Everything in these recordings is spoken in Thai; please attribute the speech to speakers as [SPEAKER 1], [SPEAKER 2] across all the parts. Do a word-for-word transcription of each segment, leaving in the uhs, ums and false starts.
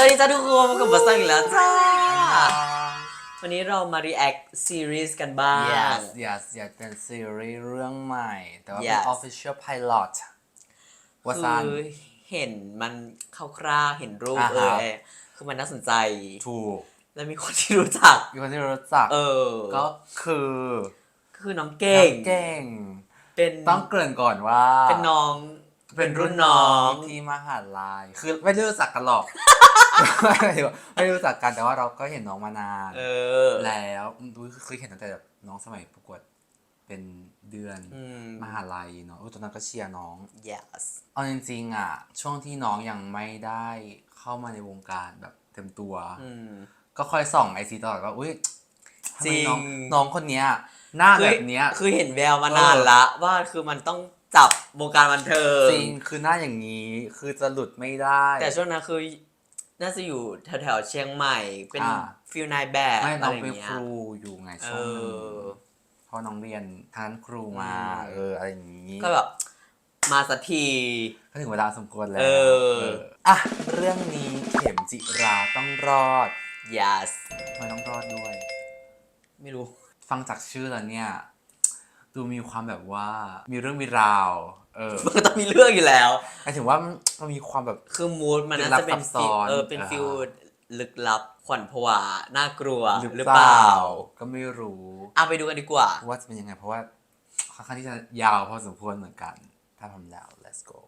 [SPEAKER 1] วัสดีจ้าทุกคนพบกับบัสซังอีกแล้วจ้าวันนี้เรามา react series กันบ้าง
[SPEAKER 2] yes yes อยากเป็นซีรีส์เรื่องใหม่แต่ว่าเป็น
[SPEAKER 1] Yes
[SPEAKER 2] official pilot ว่า
[SPEAKER 1] คื
[SPEAKER 2] ซัน
[SPEAKER 1] อเห็นมันคร่าวๆเห็นรูป
[SPEAKER 2] อ่า
[SPEAKER 1] เอ
[SPEAKER 2] ฮะ
[SPEAKER 1] อคือมันน่าสนใจ
[SPEAKER 2] ถูก
[SPEAKER 1] แล้วมีคนที่รู้จัก
[SPEAKER 2] มีคนที่รู้จัก
[SPEAKER 1] เออ
[SPEAKER 2] ก็คือ
[SPEAKER 1] คือน้องเก่ง
[SPEAKER 2] น้องเก่ง
[SPEAKER 1] เป็น
[SPEAKER 2] ต้องเกริ่นก่อนว่า
[SPEAKER 1] เป็นน้อง
[SPEAKER 2] เป็นรุ่นน้องที่มหาลัยคือไม่ได้รู้จักกันหรอก ไม่รู้จักกันแต่ว่าเราก็เห็นน้องมานาน
[SPEAKER 1] เออ
[SPEAKER 2] แล้วดูเคยเห็นตั้งแต่แบบน้องสมัยประกวดเป็นเดือน
[SPEAKER 1] อืม
[SPEAKER 2] มหาลัยเนาะเออตอนนั้นก็เชียร์น้อง
[SPEAKER 1] yes
[SPEAKER 2] เอาจริงๆอ่ะช่วงที่น้องยังไม่ได้เข้ามาในวงการแบบเต็มตัว
[SPEAKER 1] อืม
[SPEAKER 2] ก็คอยส่องไอซีตลอดว่าอุ้ยทำ
[SPEAKER 1] จริ
[SPEAKER 2] ไม
[SPEAKER 1] ง
[SPEAKER 2] น้องน้องคนเนี้ยหน้าแบบเนี้ย
[SPEAKER 1] คือเห็นแววมานานละว่าคือมันต้องจับวงการบันเทิง
[SPEAKER 2] จริงคือหน้าอย่างนี้คือจะหลุดไม่ได้
[SPEAKER 1] แต่ช่วงนั้นคือน่าจะอยู่แถวๆเชียงใหม่ เป็น
[SPEAKER 2] อ่า
[SPEAKER 1] ฟิลนายแบบ
[SPEAKER 2] ไม่น้
[SPEAKER 1] อะ
[SPEAKER 2] อง
[SPEAKER 1] ไร
[SPEAKER 2] เป็น
[SPEAKER 1] เงี้
[SPEAKER 2] ค
[SPEAKER 1] ย
[SPEAKER 2] รูอยู่ไง
[SPEAKER 1] เอ
[SPEAKER 2] ช่วงหนึง
[SPEAKER 1] อ
[SPEAKER 2] เพราะน้องเรียนทางครูมา
[SPEAKER 1] อืม
[SPEAKER 2] เอออะไรอย่างนี้
[SPEAKER 1] ก็แบบมาสักที
[SPEAKER 2] ก็ถึงเวลาสมควรแล้ว
[SPEAKER 1] เออ
[SPEAKER 2] เอออ่ะเรื่องนี้เข็มจิราต้องรอด
[SPEAKER 1] yes
[SPEAKER 2] ทำไมต้องรอดด้วย
[SPEAKER 1] ไม่รู้
[SPEAKER 2] ฟังจากชื่อแล้วเนี่ยดูมีความแบบว่ามีเรื่องมีราวเออ
[SPEAKER 1] มันก็ต้องมีเรื่องอยู่แล้ว
[SPEAKER 2] หมายถึงว่ามันมีความแบบ
[SPEAKER 1] คือมูดมันน่าจะเป็น
[SPEAKER 2] ลึกลับซับซ้
[SPEAKER 1] ฟิล
[SPEAKER 2] อน
[SPEAKER 1] เออเป็น
[SPEAKER 2] อ่า
[SPEAKER 1] ฟิลลึกลับขวัญผวาน่ากลัว
[SPEAKER 2] หรือ
[SPEAKER 1] หรือ
[SPEAKER 2] เป
[SPEAKER 1] เป
[SPEAKER 2] ล่า
[SPEAKER 1] ล่า
[SPEAKER 2] ก็ไม่รู้
[SPEAKER 1] เอาไปดูกันดีกว่า
[SPEAKER 2] ว่าจะเป็นยังไงเพราะว่าค่อนข้างที่จะยาวพอสมควรเหมือนกัน ถ้าทำแล้ว let's go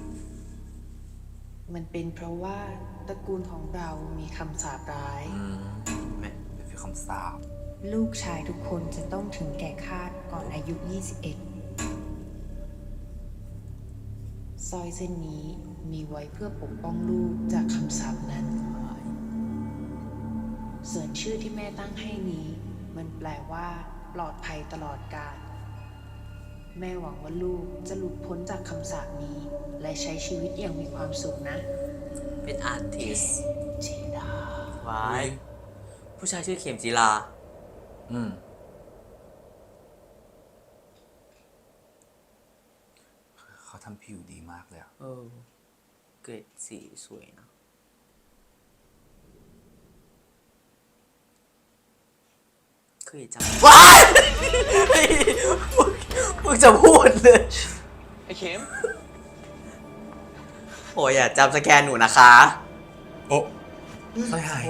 [SPEAKER 3] มันเป็นเพราะว่าตระกูลของเรามีคำสาปร้าย
[SPEAKER 2] อืมเป็นฟีลคำสาป
[SPEAKER 3] ลูกชายทุกคนจะต้องถึงแก่คาดก่อนอายุ ยี่สิบเอ็ด สร้อยเส้นนี้มีไว้เพื่อปกป้องลูกจากคำสาปนั้น ส่วนชื่อที่แม่ตั้งให้นี้ มันแปลว่าปลอดภัยตลอดกาล แม่หวังว่าลูกจะหลุดพ้นจากคำสาปนี้ และใช้ชีวิตอย่างมีความสุขนะ
[SPEAKER 1] เป็นอาร์ติส
[SPEAKER 3] จีดา
[SPEAKER 1] วายผู้ชายชื่อเข็มจีรา
[SPEAKER 2] อืมเขาทำผิวดีมากเลยอะ
[SPEAKER 1] เออเกรดสีสวยนะเคยจำว้ายมึงจะพูดเลย
[SPEAKER 4] ไอ้เข็ม
[SPEAKER 1] โอ้ยอย่าจำสแกนหนูนะคะ
[SPEAKER 2] โอ้สร้อยหาย
[SPEAKER 1] โอ้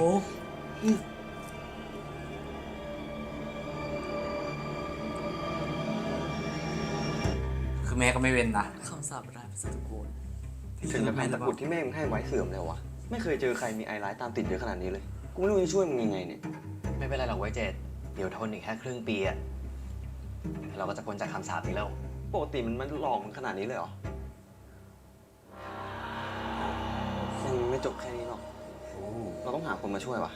[SPEAKER 2] คือแม่ก็ไม่เว้นนะ
[SPEAKER 1] คำสาปร้ายภาษาตะโกน
[SPEAKER 4] ถึงจะเป็นตะกรุดที่แม่มึงให้ไว้เสื่อมแล้ววะ ไม่เคยเจอใครมีไอร้ายตามติดเยอะขนาดนี้เลย กูไม่รู้จะช่วยมึงยังไงเนี่ย
[SPEAKER 5] ไม่เป็นไรหรอกไว้ยเจดเดี๋ยวทนอีกแค่ครึ่งปีอะเราก็จะพ้นจากคำสาปนี้แล้ว
[SPEAKER 4] ปกติมันมันหลอกมึงขนาดนี้เลยเหรอยังไม่จบแค่นี้หรอก เราต้องหาคนมาช่วยวะ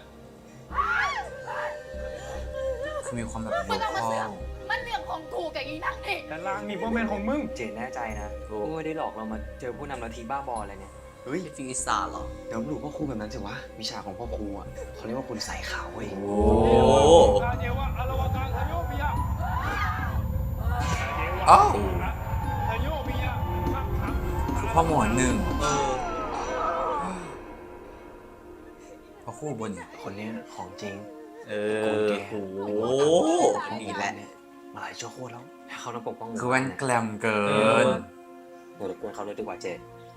[SPEAKER 2] คือมีความแบบ
[SPEAKER 6] ไม่ต้องมา
[SPEAKER 2] โล
[SPEAKER 6] เสื
[SPEAKER 2] ค
[SPEAKER 6] อ
[SPEAKER 2] อก ล
[SPEAKER 6] มันเรื่องของถูกกับอีนั่งนี่
[SPEAKER 7] แต่ลางนี่พ่อแม่นของมึง
[SPEAKER 5] เจดแน่ใจนะว่าไม่ได้หลอกเรามาเจอผู้นำลัทธิบ้าบออะไรเนี่ย
[SPEAKER 4] เฮ้ย
[SPEAKER 1] เป็นฟิวอีสานเหรอ
[SPEAKER 4] เดี๋ยวหนูพ่อครูแบบนั้นสิวะ วิชาของพ่อครูอ่ะเขาเรียกว่าคุณใส่ขาวเว้ย
[SPEAKER 1] โอ้
[SPEAKER 7] กาเจวะอารวากาทโยปิยะ
[SPEAKER 2] อ้าว
[SPEAKER 7] ทโยปิยะมักขัง
[SPEAKER 2] คือพ่อหมอหนึ่ง
[SPEAKER 1] เออ
[SPEAKER 2] พ่อคู่บน
[SPEAKER 5] คนเนี้ยของจริง
[SPEAKER 1] เออโอ้โหนี่แหละ
[SPEAKER 5] มาหลายชั่วโคตรแล้วถ้าเขาต้องปกป้อง
[SPEAKER 2] คือแว่นแกลมเกิ
[SPEAKER 1] เอน อ
[SPEAKER 5] เดี๋ยวรบกวนเขาเลยดีกว่าเจด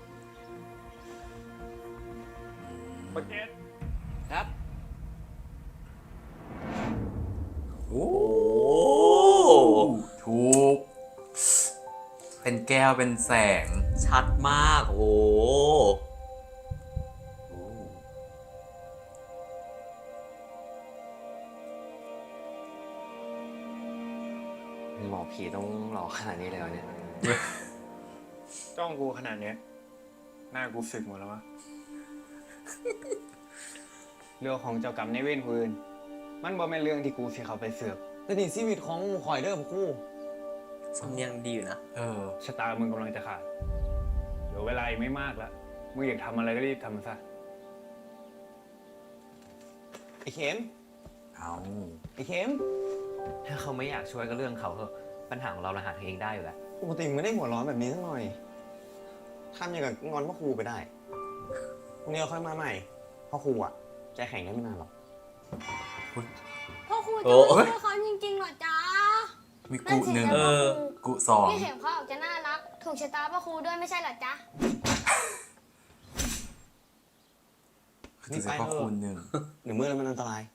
[SPEAKER 7] ประเกต
[SPEAKER 5] ครับ
[SPEAKER 2] โอ้
[SPEAKER 1] โอ้
[SPEAKER 2] ถูก เป็นแก้วเป็นแสง
[SPEAKER 1] ชัดมาก โอ้
[SPEAKER 2] โอ้
[SPEAKER 5] หมอผีต้องหลอกขนาดนี้เลยเหรอเนี่ย
[SPEAKER 7] จ้องกูขนาดเนี้ยหน้ากูสึกหมดแล้ววะ เรื่องของเจ้ากรรมในายเวรคนอื่นมันบ่แม่นเรื่องที่กูสิเขาไปเสือก
[SPEAKER 5] แต่นี่ชีวิตของข่อยเด้อคู่
[SPEAKER 1] สำเนียงดีอยู่นะ
[SPEAKER 2] เออ
[SPEAKER 7] ชะตามึงกำลังจะขาดเหลือเวลาอีกไม่มากแล้วมึงอยากทำอะไรก็รีบทำซะ
[SPEAKER 5] ไอ้เข็ม
[SPEAKER 2] เอา
[SPEAKER 5] ไอ้เข็ม ถ้าเขาไม่อยากช่วยก็เรื่องเขาเถอะปัญหาของเราเราหาเองได้อยู่แล้ว
[SPEAKER 4] ปกติมึงไม่ได้หัวร้อนแบบนี้สักหน่อยทำอย่างกับงอนพ่อครูไปได้พรุ่งนี้เราค่อยมาใหม่พ่อครูอ่ะแกแข่งได้ไม่นานหรอก
[SPEAKER 8] พ่อครู
[SPEAKER 1] โอ้
[SPEAKER 8] จะไม่ช่วยเขาจริงๆเหรอจ๊ะ
[SPEAKER 2] มีกุหนึ่ง
[SPEAKER 8] นั่นสิ
[SPEAKER 1] เอ
[SPEAKER 8] จ๊ะ
[SPEAKER 1] อ
[SPEAKER 2] กุสอง
[SPEAKER 8] พี่เข็มเขาออกจะน่ารัก ถูกชะตาพ่อครูด้วยไม่ใช่เหรอจ๊ะ
[SPEAKER 2] คือจะพ่อคูณหนึ่ง
[SPEAKER 4] หรือเมื่อแล้วมันอันตราย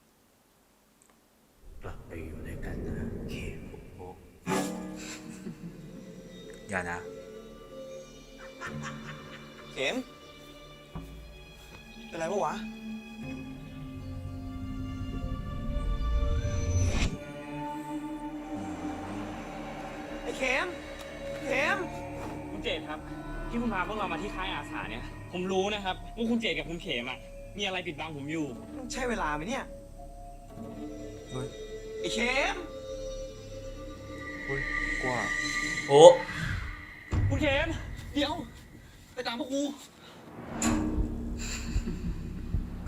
[SPEAKER 5] กลับไปอยู่ด้วยกันนะเข็ม
[SPEAKER 2] อย่านะ
[SPEAKER 4] เข็มเป็นไรปะวะ ไอ้เข็ม เข็ม
[SPEAKER 9] คุณเจตครับ ที่คุณพาพวกเรามาที่ค่ายอาสาเนี่ย ผมรู้นะครับว่าคุณเจตกับคุณเขมอ่ะมีอะไรปิดบังผมอยู่
[SPEAKER 4] ใช่เวลาไหมเนี่ย
[SPEAKER 2] เฮ้ย
[SPEAKER 4] ไอ้เข็ม
[SPEAKER 2] กว่า
[SPEAKER 1] โอ้
[SPEAKER 9] คุณเขมเดี๋ยว ไปตามพวกกู
[SPEAKER 2] เอา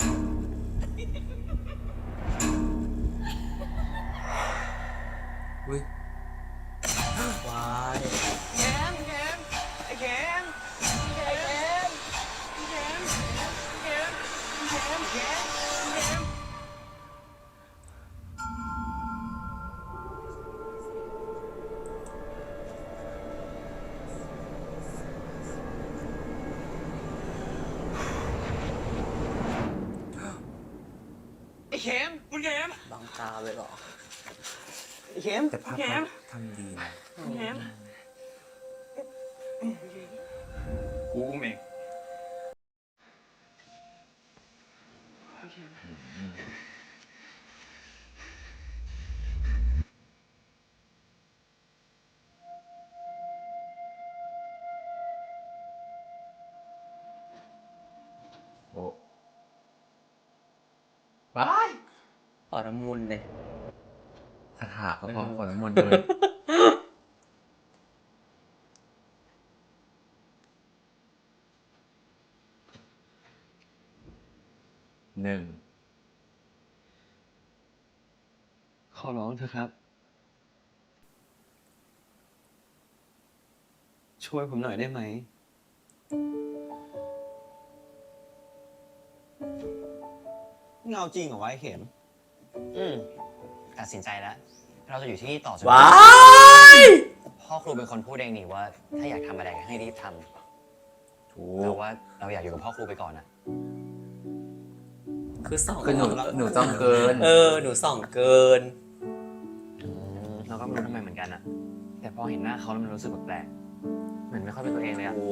[SPEAKER 2] เฮ้ย
[SPEAKER 1] วาย
[SPEAKER 4] เข็ม เข็ม ไอ้เข็ม ไอ้เข็ม เข็ม เข็ม เข็ม เข็ม เข็ม ไอ้เข็ม
[SPEAKER 9] คุณเขม
[SPEAKER 1] บังตาเลยเหรอ
[SPEAKER 4] ไอ้เข็ม
[SPEAKER 2] แต่ภาพ
[SPEAKER 9] แย้ม
[SPEAKER 2] ทำดีนะ
[SPEAKER 9] คุณเขมกูอุ้มเอง
[SPEAKER 2] โอ้ว้าย
[SPEAKER 1] ขอน้ำมุนเลย
[SPEAKER 2] คาถาก็พอขอน้ำมนต์เลยหนึ่ง
[SPEAKER 4] ขอร้องเถอะครับ ช่วยผมหน่อยได้ไหม เงาจริงเหรอวะไอ้เข็ม
[SPEAKER 5] อืมตัดสินใจแล้ว เราจะอยู่ที่นี่ต่อจน
[SPEAKER 1] ว้าย
[SPEAKER 5] พ่อครูเป็นคนพูดเองนี่ว่า ถ้าอยากทำอะไรให้รีบท
[SPEAKER 2] ถู
[SPEAKER 5] ำเรา
[SPEAKER 2] ก
[SPEAKER 5] ว่าเราอยากอยู่กับพ่อครูไปก่อนอะ
[SPEAKER 1] คือสอง
[SPEAKER 2] คือหนูหนูจ้องเกิน
[SPEAKER 1] เออ หนูส่องเกิน
[SPEAKER 5] อืมเราก็ไม่รู้ทำไมเหมือนกันอะแต่พอเห็นหน้าเขาแล้วมันรู้สึกแปลกๆเหมือนไม่ค่อยเป็นตัวเองเลยอะ
[SPEAKER 1] โอ้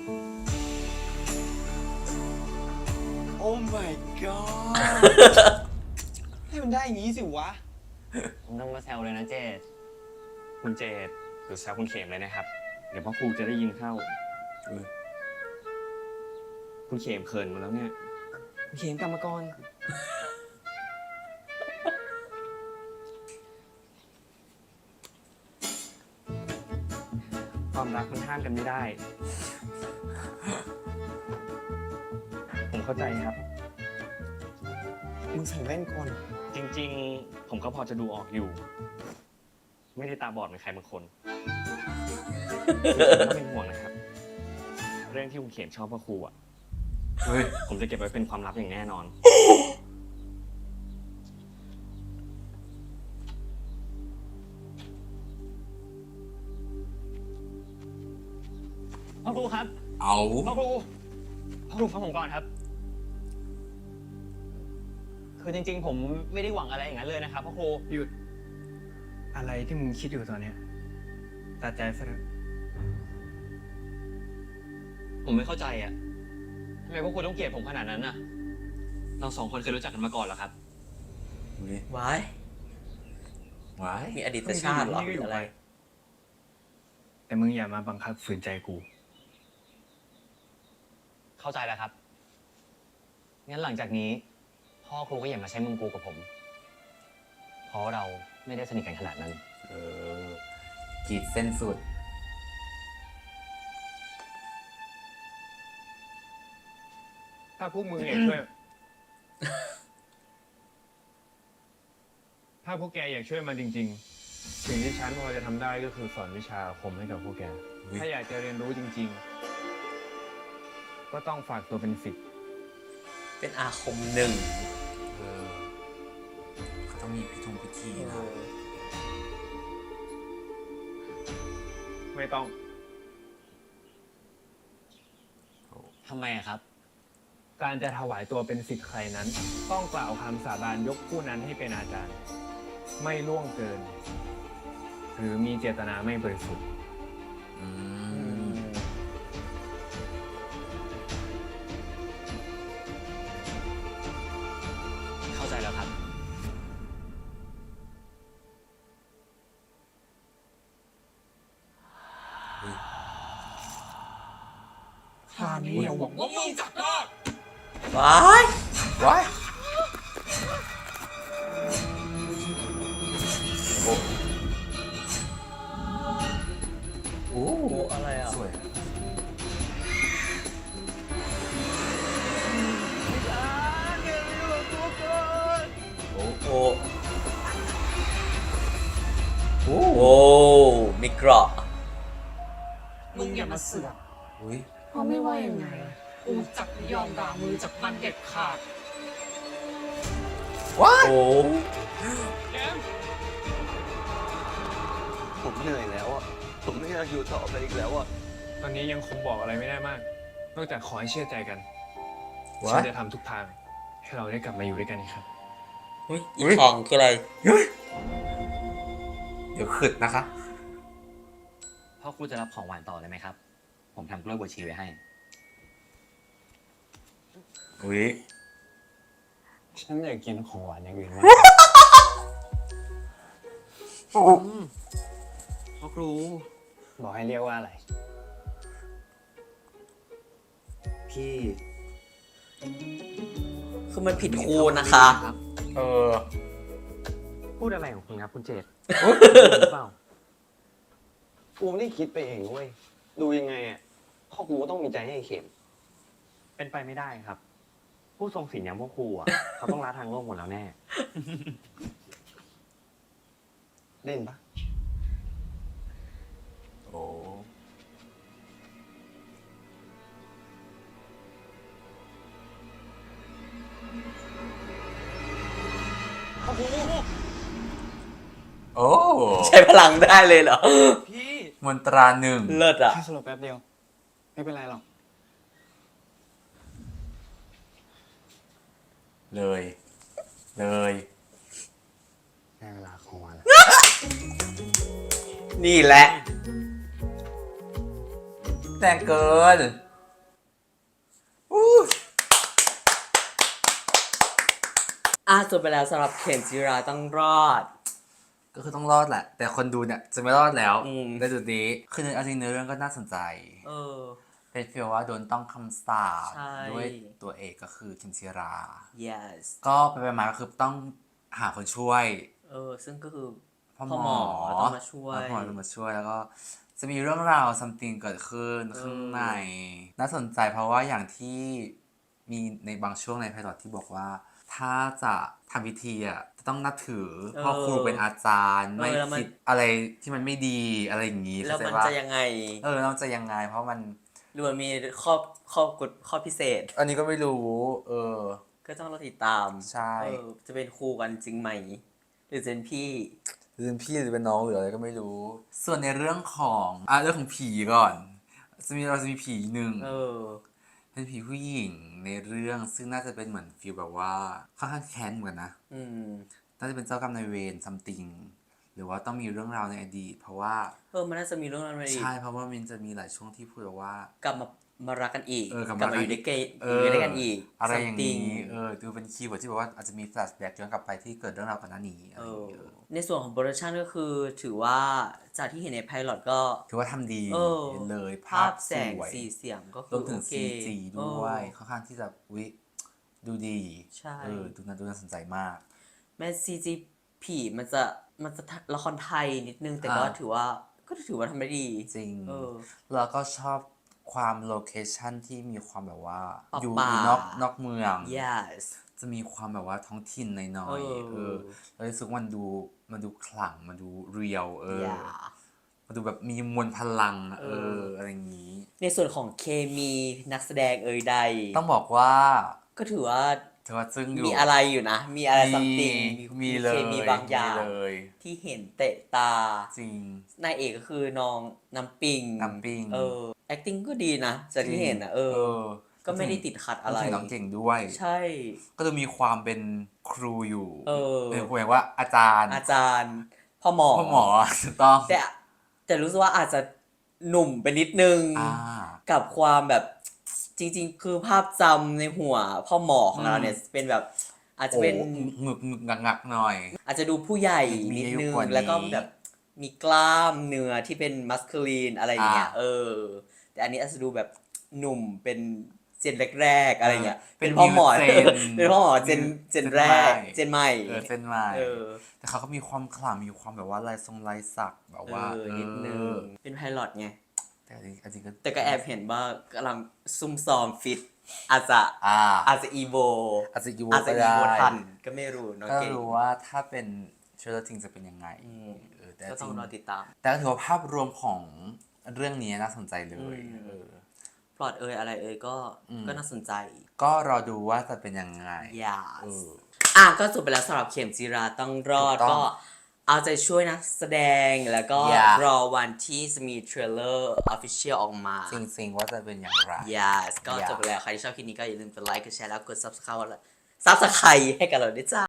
[SPEAKER 4] โอ้ my god ให้มันได้อย่างนี้สิวะ
[SPEAKER 5] ผมต้องมาแซวเลยนะเจด
[SPEAKER 9] คุณเจตหรือแซวคุณเขมเลยนะครับ เดี๋ยวพ่อครูจะได้ยินเข้า
[SPEAKER 2] เออ
[SPEAKER 9] คุณเขมเขินหมาแล้วเนี่ย คุณเขมกรรมกร ความรักมันห้ามกันไม่ได้ ผมเข้าใจครับ
[SPEAKER 4] มึงใส่แว่นก่อน
[SPEAKER 9] จริงๆ ผมก็พอจะดูออกอยู่ ไม่ได้ตาบอดเหมือนใครบางคนผมก็เป็นห่วงนะครับ เรื่องที่คุณเขียนชอบพ่อครูอ่ะ
[SPEAKER 2] เฮ้ย
[SPEAKER 9] ผมจะเก็บไว้เป็นความลับอย่างแน่นอน พ่อครูครับ
[SPEAKER 2] เอา
[SPEAKER 9] พ่อครู พ่อครูฟังผมก่อนครับ
[SPEAKER 5] คือจริงๆ ผมไม่ได้หวังอะไรอย่างนั้นเลยนะครับพ่อครู
[SPEAKER 7] หยุด อะไรที่มึงคิดอยู่ตอนเนี้ยตัดใจซะเถอะ
[SPEAKER 5] ผมไม่เข้าใจอะทำไมพวกคุณต้องเกลียดผมขนาดนั้นน่ะ เราสองคนเคยรู้จักกันมาก่อนเหรอครับ
[SPEAKER 2] เฮ้ย
[SPEAKER 1] ว้าย
[SPEAKER 2] ว้าย
[SPEAKER 1] มีอดีตชาติเหรอหรืออะไร
[SPEAKER 7] แต่มึงอย่ามาบังคับฝืนใจกู
[SPEAKER 5] เข้าใจแล้วครับ งั้นหลังจากนี้ พ่อครูก็อย่ามาใช้มึงกูกับผม เพราะเราไม่ได้สนิทกันขนาดนั้น
[SPEAKER 2] เออขีดเส้นสุด
[SPEAKER 7] ถ้าพวกมึงอยากช่วย ถ้าพวกแกอยากช่วยมันจริง ๆ สิ่งที่ฉันพอจะทำได้ก็คือสอนวิชาอาคมให้กับพวกแก
[SPEAKER 2] อุ๊ย
[SPEAKER 7] ถ้าอยากจะเรียนรู้จริง ๆ ก็ต้องฝากตัวเป็นศิษย์
[SPEAKER 1] เป็นอาคมหนึ่ง
[SPEAKER 2] เออเขาต้องมีพิธีพิธีนะ
[SPEAKER 7] ไม่ต้อง
[SPEAKER 5] ทำไมอะครับ
[SPEAKER 7] การจะถวายตัวเป็นศิษย์ใครนั้น ต้องกล่าวคำสาบานยกผู้นั้นให้เป็นอาจารย์ ไม่ล่วงเกิน หรือมีเจตนาไม่บริสุทธิ์
[SPEAKER 2] อืม
[SPEAKER 5] เข้าใจแล้วครับ
[SPEAKER 9] คราวนี้อย่าหวังว่ามึงจะรอด
[SPEAKER 1] ว้าย
[SPEAKER 2] ว้ายโอ้
[SPEAKER 1] โอ้อะไรอ่ะ
[SPEAKER 2] สวย
[SPEAKER 1] โอ้โอ้โอ้โอ้มีเกราะ
[SPEAKER 9] มึงอย่ามาเสือก
[SPEAKER 2] อุ้ย
[SPEAKER 3] เพราะไม่ว่ายังไง
[SPEAKER 9] กูจักไม่ยอมด่ามือจากมันเด็ดขาด
[SPEAKER 2] ว้าย
[SPEAKER 1] โอ้
[SPEAKER 9] แกม
[SPEAKER 4] ผมเหนื่อยแล้วอ่ะ ผมไม่อยากอยู่ต่อไปอีกแล้วอ่ะ
[SPEAKER 7] ตอนนี้ยังคงบอกอะไรไม่ได้มาก นอกจากขอให้เชื่อใจกัน
[SPEAKER 2] ว้า
[SPEAKER 7] ฉั
[SPEAKER 2] ย
[SPEAKER 7] นจะทำทุกทาง ให้เราได้กลับมาอยู่ด้วยกันอีกครับ
[SPEAKER 1] อุ๊ยอี
[SPEAKER 2] อุ๊ย
[SPEAKER 1] ทองคืออะไร
[SPEAKER 2] เดี๋ยวขึดนะคะ
[SPEAKER 5] พ่อครูจะรับของหวานต่อเลยไหมครับ ผมทำกล้วยบวชชีไว้ให้
[SPEAKER 2] อุ้ย
[SPEAKER 7] ฉันอยากกินของหวานอย่างอื่นมาก
[SPEAKER 5] พ่อครู
[SPEAKER 7] บอกให้เรียกว่าอะไร
[SPEAKER 5] พี่
[SPEAKER 1] คือมันผิดครูนะคะ
[SPEAKER 2] เออ
[SPEAKER 5] พูดอะไรของคุณครับคุณเจต
[SPEAKER 4] หรือเปล่า กูไม่ได้คิดไปเองเว้ย ดูยังไงอ่ะพ่อกูก็ต้องมีใจให้ไอ้เข็ม
[SPEAKER 5] เป็นไปไม่ได้ครับ ผู้ทรงศีลอย่างพวกครูอ่ะ เขาต้องละทางโลกหมดแล้วแน่
[SPEAKER 4] เล่นปะ
[SPEAKER 2] โอ้ โอ้
[SPEAKER 1] ใช้พลังได้เลยเหรอ
[SPEAKER 9] พี่
[SPEAKER 2] มนตราหนึ่ง
[SPEAKER 1] เลิศอ่ะ
[SPEAKER 9] แค่สลบแป๊บเดียว ไม่เป็นไรหรอก
[SPEAKER 2] เลย เลย
[SPEAKER 5] ได้เวลาของวันแล้ว
[SPEAKER 1] นี่แหละ
[SPEAKER 2] แต่งเกินอู้
[SPEAKER 1] อ่ะจบไปแล้วสำหรับเข็มจิราต้องรอด
[SPEAKER 2] ก็คือต้องรอดแหละ แต่คนดูเนี่ยจะไม่รอดแล้ว
[SPEAKER 1] อืม
[SPEAKER 2] ในจุดนี้ คือในเอาจริงเนื้อเรื่องก็น่าสนใจ
[SPEAKER 1] เออ
[SPEAKER 2] เป็นฟีลว่าโดนต้องคำสาป
[SPEAKER 1] ใช่
[SPEAKER 2] ด้วยตัวเอกก็คือคิมชิรา
[SPEAKER 1] yes
[SPEAKER 2] ก็ไปไปมาก็คือต้องหาคนช่วย
[SPEAKER 1] เออ ซึ่งก็คือ
[SPEAKER 2] พ่อ
[SPEAKER 1] พ่อ
[SPEAKER 2] ห
[SPEAKER 1] ห
[SPEAKER 2] ม
[SPEAKER 1] ม
[SPEAKER 2] อ
[SPEAKER 1] อต้องมาช่วย
[SPEAKER 2] พ่อหมอต้องมาช่วยแล้วก็จะมีเรื่องราว something เกิดขึ้น
[SPEAKER 1] เออ
[SPEAKER 2] ข้างใน น่าสนใจเพราะว่าอย่างที่มีในบางช่วงในไพลอตที่บอกว่า ถ้าจะทำพิธีอ่ะจะต้องนับถือพ่อครูเป็นอาจารย์ ไม่คิดอะไรที่มันไม่ดีอะไรอย่างนี้
[SPEAKER 1] แล้ว
[SPEAKER 2] เข้าใจ
[SPEAKER 1] มัน
[SPEAKER 2] ปะ
[SPEAKER 1] จะยังไง
[SPEAKER 2] เออเราจะยังไง เพราะมัน
[SPEAKER 1] หรือมันมีข้อข้อกฎข้อพิเศษ
[SPEAKER 2] อันนี้ก็ไม่รู้ เออ
[SPEAKER 1] ก็ต้องเราติดตาม
[SPEAKER 2] ใช่
[SPEAKER 1] เออจะเป็นครูกันจริงไหม หรือจะเป็นพี่
[SPEAKER 2] หรือเป็นพี่หรือเป็นน้องหรืออะไรก็ไม่รู้ ส่วนในเรื่องของอ่ะเรื่องของผีก่อน จะมีเราจะมีผีหนึ่ง
[SPEAKER 1] เออ
[SPEAKER 2] เป็นผีผู้หญิงในเรื่องซึ่งน่าจะเป็นเหมือนฟีลแบบว่าค่อนข้างแค้นเหมือนกันนะ
[SPEAKER 1] อืม
[SPEAKER 2] น่าจะเป็นเจ้ากรรมนายเวรซัมติงหรือว่าต้องมีเรื่องราวในอดีต เพราะว่า
[SPEAKER 1] เออ มันน่าจะมีเรื่องอะไรอีก
[SPEAKER 2] ใช่เพราะว่ามันจะมีหลายช่วงที่พูดแบบว่า
[SPEAKER 1] กลับมามารักกันอีก
[SPEAKER 2] เออกลับ
[SPEAKER 1] กลับ
[SPEAKER 2] มา
[SPEAKER 1] มาอยู่ด้วยกัน
[SPEAKER 2] เอ
[SPEAKER 1] อยู่
[SPEAKER 2] อ
[SPEAKER 1] ด้วยกันอีก
[SPEAKER 2] อะไรอย่างนี้
[SPEAKER 1] something
[SPEAKER 2] เออดูเป็นคีย์เวิร์ดที่แบบว่าอาจจะมีแฟลชแบ็กย้อนกลับไปที่เกิดเรื่องราวก่อนหน้านี้อะ
[SPEAKER 1] เอ
[SPEAKER 2] ไรอย่าง
[SPEAKER 1] อ
[SPEAKER 2] เงี้ยเออ
[SPEAKER 1] ในส่วนของโปรดักชันก็คือถือว่าจากที่เห็นในไพลอตก็
[SPEAKER 2] ถือว่าทำดี
[SPEAKER 1] เออ
[SPEAKER 2] เลย
[SPEAKER 1] ภา
[SPEAKER 2] ภา
[SPEAKER 1] พ
[SPEAKER 2] พ
[SPEAKER 1] แสง
[SPEAKER 2] สวย
[SPEAKER 1] สีเสียงก็คื
[SPEAKER 2] รว
[SPEAKER 1] อ
[SPEAKER 2] มถึง
[SPEAKER 1] โอเค
[SPEAKER 2] ซี จี ด้วย ค่อนข้างที่จะวิดูดี
[SPEAKER 1] ใช่
[SPEAKER 2] เออดูน่าดูน่าสนใจมาก
[SPEAKER 1] แม้ซีจีผีมันจะมันจะละครไทยนิดนึง แต่ก็
[SPEAKER 2] อ่า
[SPEAKER 1] ถือว่าก็ถือว่าทำได้ดี
[SPEAKER 2] จริง
[SPEAKER 1] เออ
[SPEAKER 2] แล้วก็ชอบความโลเคชันที่มีความแบบว่า
[SPEAKER 1] ป่า
[SPEAKER 2] อยู่
[SPEAKER 1] ป่า
[SPEAKER 2] อยู่นอกนอกเมือง
[SPEAKER 1] yes
[SPEAKER 2] จะมีความแบบว่าท้องถิ่นหน่อย
[SPEAKER 1] เออ
[SPEAKER 2] ๆเออแล้วรู้สึกมันดูมันดูขลังมันดูเรียลเออ
[SPEAKER 1] yeah
[SPEAKER 2] มันดูแบบมีมวลพลังอะเอ
[SPEAKER 1] เอ
[SPEAKER 2] อ
[SPEAKER 1] อ
[SPEAKER 2] อะไรอย่างนี้
[SPEAKER 1] ในส่วนของเคมีนักแสดงเอ่ยใด
[SPEAKER 2] ต้องบอกว่า
[SPEAKER 1] ก็ถือว่า
[SPEAKER 2] ถือว่าซึ่งอยู่
[SPEAKER 1] มีอะไรอยู่นะ มีอะไรซัมติง
[SPEAKER 2] มีเลย
[SPEAKER 1] เคมีบางอย่าง
[SPEAKER 2] มีเลย
[SPEAKER 1] ที่เห็นเตะตา
[SPEAKER 2] จริง
[SPEAKER 1] นายเอกก็คือน้องน้ำปิง
[SPEAKER 2] น้ำปิง
[SPEAKER 1] เออ acting ก็ดีนะจากที่เห็นนะเออ ก็ไม่ได้ติดขัดอะไร
[SPEAKER 2] พูถึงน้องเก่งด้วย
[SPEAKER 1] ใช่
[SPEAKER 2] ก็จะมีความเป็นครูอยู่
[SPEAKER 1] เออ
[SPEAKER 2] เป็นครูแบบว่าอาจารย์
[SPEAKER 1] อาจารย์พ่อหมอ
[SPEAKER 2] พ่อหมอถูกต้อง
[SPEAKER 1] แต่แต่รู้สึกว่าอาจจะหนุ่มไปนิดนึง
[SPEAKER 2] อ่า
[SPEAKER 1] กับความแบบจริง ๆ คือภาพจำในหัวพ่อหมอของเราเนี่ยเป็นแบบ อาจจะ
[SPEAKER 2] โอ้
[SPEAKER 1] เป็น
[SPEAKER 2] หงึกหงึกงักงักหน่อย
[SPEAKER 1] อาจจะดูผู้ใหญ่
[SPEAKER 2] มี
[SPEAKER 1] นิด
[SPEAKER 2] อายุ
[SPEAKER 1] นึง
[SPEAKER 2] กว่านี้
[SPEAKER 1] แล้วก็แบบมีกล้ามเนื้อที่เป็นมัสคูลีนอะไรอย่างเงี้ย
[SPEAKER 2] อ่า
[SPEAKER 1] เออ แต่อันนี้อาจจะดูแบบหนุ่มเป็นเจนแรกๆอะไรเงี้ย
[SPEAKER 2] เป็น
[SPEAKER 1] พ่อหมอ
[SPEAKER 2] new gen
[SPEAKER 1] เป็นพ่อหมอเจนเจนแรก
[SPEAKER 2] เจ
[SPEAKER 1] เจ
[SPEAKER 2] น
[SPEAKER 1] น
[SPEAKER 2] ให
[SPEAKER 1] ให
[SPEAKER 2] ม่
[SPEAKER 1] ม่
[SPEAKER 2] เออเส้นลาย
[SPEAKER 1] เออ
[SPEAKER 2] แต่เขาก็มีความขลังมีความแบบว่าลายทรงลายสักแบบว่า
[SPEAKER 1] เออนิดนึง
[SPEAKER 2] เออ
[SPEAKER 1] เป็นไพลอตไง
[SPEAKER 2] แต่จริงๆจริงๆก็
[SPEAKER 1] แต่ก็แอบเห็นว่ากำลังซุ่มซ้อมฟิต อาจจะ
[SPEAKER 2] อ่า
[SPEAKER 1] อาจจะอีโว
[SPEAKER 2] อาจจะยู
[SPEAKER 1] อาจจะ
[SPEAKER 2] ก็
[SPEAKER 1] อี
[SPEAKER 2] ได้
[SPEAKER 1] โวทันก็ไม่รู้เนาะ
[SPEAKER 2] ก็
[SPEAKER 1] เก่ง
[SPEAKER 2] รู้ว่าถ้าเป็นเชลจริงจะเป็นยังไง
[SPEAKER 1] อืม
[SPEAKER 2] เออแต่
[SPEAKER 1] ก็
[SPEAKER 2] จ
[SPEAKER 1] ต้
[SPEAKER 2] ริ
[SPEAKER 1] อง
[SPEAKER 2] ง
[SPEAKER 1] รอติดตาม
[SPEAKER 2] แต่ก็ถือว่าภาพรวมของเรื่องนี้น่าสนใจเลย
[SPEAKER 1] อืม
[SPEAKER 2] เออ
[SPEAKER 1] พลอตเอยอะไรเอยก็
[SPEAKER 2] อืม
[SPEAKER 1] ก็น่าสนใจ
[SPEAKER 2] ก็รอดูว่าจะเป็นยังไง
[SPEAKER 1] อย่า
[SPEAKER 2] เออ
[SPEAKER 1] อ่ะก็จบไปแล้วสำหรับเข็มจีราต้องรอด
[SPEAKER 2] ถูกต้อง
[SPEAKER 1] ก็เอาใจช่วยนะแสดงแล้วก็
[SPEAKER 2] อย่าร
[SPEAKER 1] อวันที่จะมีเทรลเลอร์ official ออกมา
[SPEAKER 2] จริงๆว่าจะเป็นอย่างไร
[SPEAKER 1] yes ก็
[SPEAKER 2] อย่า
[SPEAKER 1] จบไปแล้ว ใครที่ชอบคลิปนี้ก็อย่าลืมกดไลค์กดแชร์แล้วกด subscribe แล้ว subscribe ให้กับเราด้วยจ้า